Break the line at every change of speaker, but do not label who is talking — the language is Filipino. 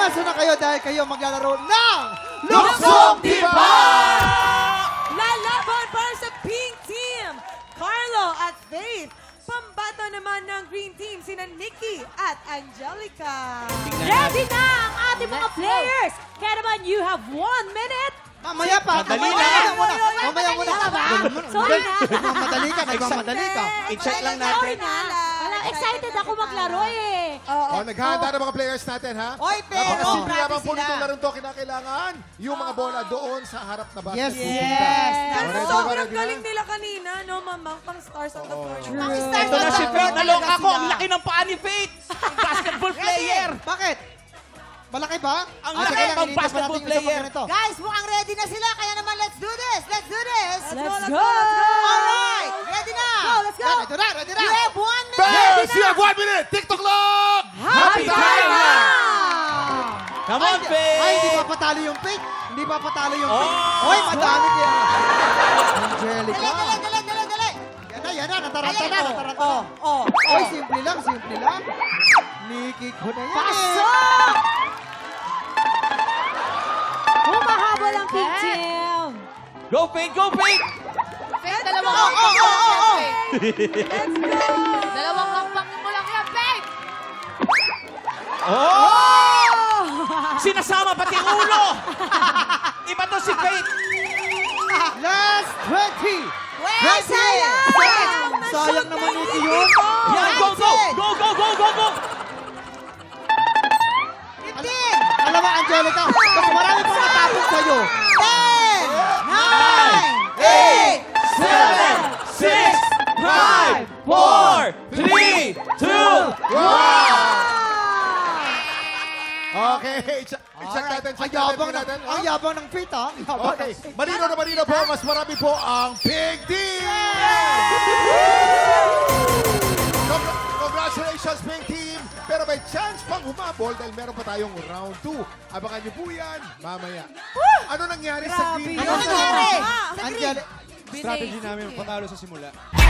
Pumasok na kayo dahil kayo maglalaro ng Luksong Timba!
Lalaban para sa Pink Team, Carlo at Faith. Pambato naman ng Green Team, sina Nikki at Angelica.
Ready na ang ating mga players! Kaya naman, you have 1 minute.
Mamaya pa.
Madali
Mamaya
lang.
muna. Mamaya muna.
Sorry na.
Nagmamadali ka. Nagmamadali ka.
I-check lang
Sorry
natin.
na. Wala, excited ako maglaro eh.
Oh, naghahanda ng mga players natin, ha?
Oy, pero
Napakasimple lamang
grabe
po
sila.
nitong larong to. Kinakailangan yung mga bola doon sa harap na basket.
Yes.
Yes!
Ready na ba,
Sobrang
ready na?
galing nila kanina, no, mamang pang stars on the floor.
Ito na si Faith. Naloka ako. Ang laki ng paa ni Faith. Basketball player.
Bakit? Malaki ba?
Ang
Ah,
laki
sige lang,
ng
ilipat pa
basketball
natin yung isa pa
player.
ganito.
Guys, mukhang ready na sila. Kaya naman, let's do this. Let's do this.
Let's go!
Alright, ready na.
Let's go!
Ready na, ready na.
You have 1 minute.
First, you have 1 minute. TikTok clock!
Happy time na! Come on,
Ay,
Faith.
hindi pa patalo yung Faith. Hindi pa patalo yung
Oh.
Faith. Oy, madami kaya. Angelica.
Dali.
Yan na. Nataranta na. Nataranta na.
Oh,
Oy, simple lang. Nikki ko na yan.
Pasok! Humahabol ang Pink Team.
Go, Faith. Go, Faith.
Faith, dalawang Dalawang hakbang mo lang yan, Faith!
Oh! Sinasama pati ulo. Iba to si Faith.
Last 20.
Sayang.
Sayang naman Nikki yun.
Yan, go, go. Go, go, go, go, go.
Alam mo, Angelica, mas marami pang matapos sa'yo.
10, 9, 8, 7, 6, 5, 4, 3, 2, 1.
Okay, check natin.
Ang yabang ng Faith, ha? Ang yabang
Okay,
ng Faith.
malinaw po. Mas marami po ang Big Team! Congratulations, Big Team! Pero may chance pang humabol dahil meron pa tayong round 2. Abangan niyo po yan mamaya. Ano nangyari sa Green Team?
Ano nangyari? Angelica.
Strategy namin patalo sa simula.